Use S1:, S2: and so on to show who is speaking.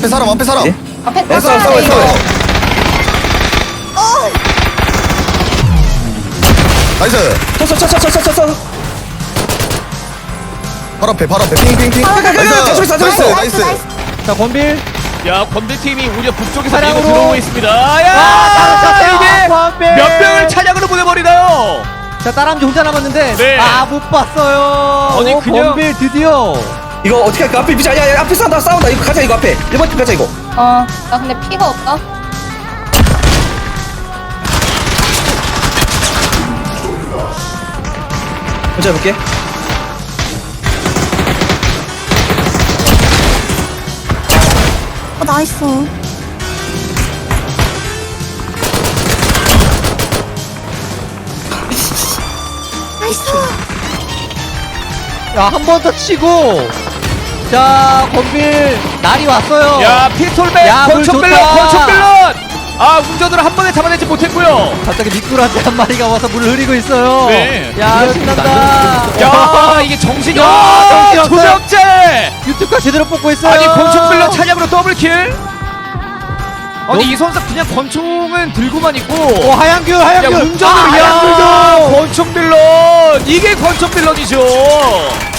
S1: 앞에 사람 앞에 사람.
S2: 예?
S3: 앞에
S2: 싸워,
S3: 타자
S2: 싸워,
S3: 이거.
S2: 싸워.
S1: 나이스.
S2: 쳤어.
S1: 바로 앞에 핑핑핑. 나이스. 나이스.
S4: 자 권빌
S5: 야 권대팀이 오히려 북쪽에서
S4: 차량으로.
S5: 밀고 들어오고 있습니다. 야
S4: 아,
S5: 이게
S4: 권빌.
S5: 몇 명을 차량으로 보내버리나요?
S4: 자 따람쥐 혼자 남았는데
S5: 네.
S4: 아 못 봤어요.
S5: 아니, 그냥-
S4: 권빌 드디어
S2: 이거 어떻게 할까? 앞에 비자. 야, 앞에 싸운다. 이거 가자, 이거 앞에. 1번 팀 가자, 이거.
S3: 나 근데 피가 없다.
S2: 혼자 해볼게.
S3: 나이스. 나이스.
S4: 야 한 번 더 치고 자 권빌 날이 왔어요.
S5: 야 피스톨맨
S4: 야, 물
S5: 권총빌런
S4: 좋다.
S5: 권총빌런. 아 운전으로 한 번에 잡아내지 못했고요.
S4: 갑자기 미꾸라지 한 마리가 와서 물을 흐리고 있어요.
S5: 네.
S4: 야 신난다.
S5: 야 이게 정신이
S4: 야, 정신이
S5: 두
S4: 없어요.
S5: 명째.
S4: 유튜브가 제대로 뽑고 있어요.
S5: 아니 권총빌런 차량으로 더블킬. 아니
S4: 너-
S5: 이 선수 그냥 권총은 들고만 있고
S4: 오 하양규
S5: 야
S4: 하양규
S5: 운전을
S4: 아,
S5: 야
S4: 하양규
S5: 권총빌런 이게 권총빌런이죠.